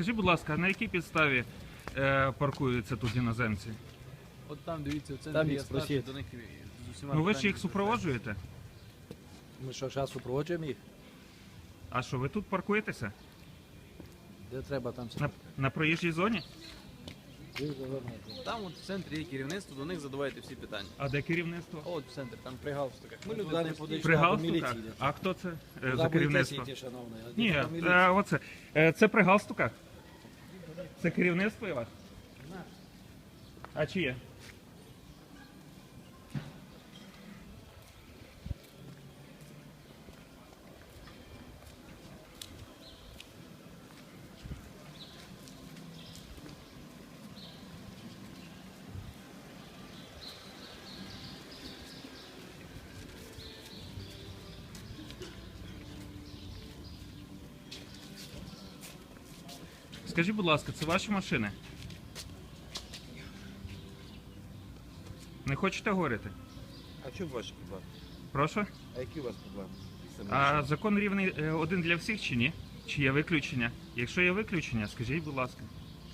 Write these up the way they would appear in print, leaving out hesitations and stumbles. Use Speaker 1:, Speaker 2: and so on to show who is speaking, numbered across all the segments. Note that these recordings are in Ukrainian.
Speaker 1: Скажіть, будь ласка, на якій підставі паркуються тут іноземці?
Speaker 2: От там, дивіться, в
Speaker 3: Там
Speaker 2: центрі
Speaker 3: їх
Speaker 2: є старший,
Speaker 3: спросіть.
Speaker 2: до них з усіма
Speaker 1: Ну ви ж
Speaker 2: питаннями
Speaker 1: їх супроводжуєте?
Speaker 3: Ми що, зараз супроводжуємо їх? А
Speaker 1: що, ви тут паркуєтеся?
Speaker 3: Де треба там
Speaker 1: На проїжджій зоні?
Speaker 2: Там от в центрі є керівництво, до них задавайте всі питання.
Speaker 1: А де керівництво?
Speaker 2: От в центрі, там при галстуках. Ми
Speaker 3: туди
Speaker 2: люди
Speaker 3: не
Speaker 2: прості.
Speaker 3: подійшли.
Speaker 1: При
Speaker 3: до
Speaker 1: галстуках?
Speaker 3: міліції йдете.
Speaker 1: А хто це
Speaker 3: Куди
Speaker 1: за
Speaker 3: будете
Speaker 1: керівництво?
Speaker 3: йти, шановний?
Speaker 1: Ні,
Speaker 3: До міліції.
Speaker 1: оце. Це при галстуках? Це керівництво і вас? А чиє? Скажіть, будь ласка, це ваші машини? Не хочете говорити?
Speaker 4: А що ваші проблеми?
Speaker 1: Прошу?
Speaker 4: А які у вас проблеми?
Speaker 1: А закон рівний один для всіх чи ні? Чи є виключення? Якщо є виключення, скажіть, будь ласка.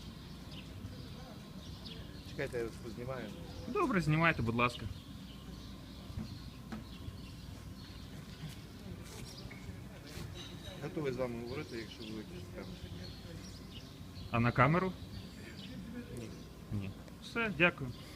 Speaker 4: Чекайте, я вас познімаю.
Speaker 1: Добре, знімайте, будь ласка.
Speaker 4: Готовий з вами говорити, якщо ви виключите камеру.
Speaker 1: А на камеру?
Speaker 4: Ні.
Speaker 1: Ні. Все, дякую.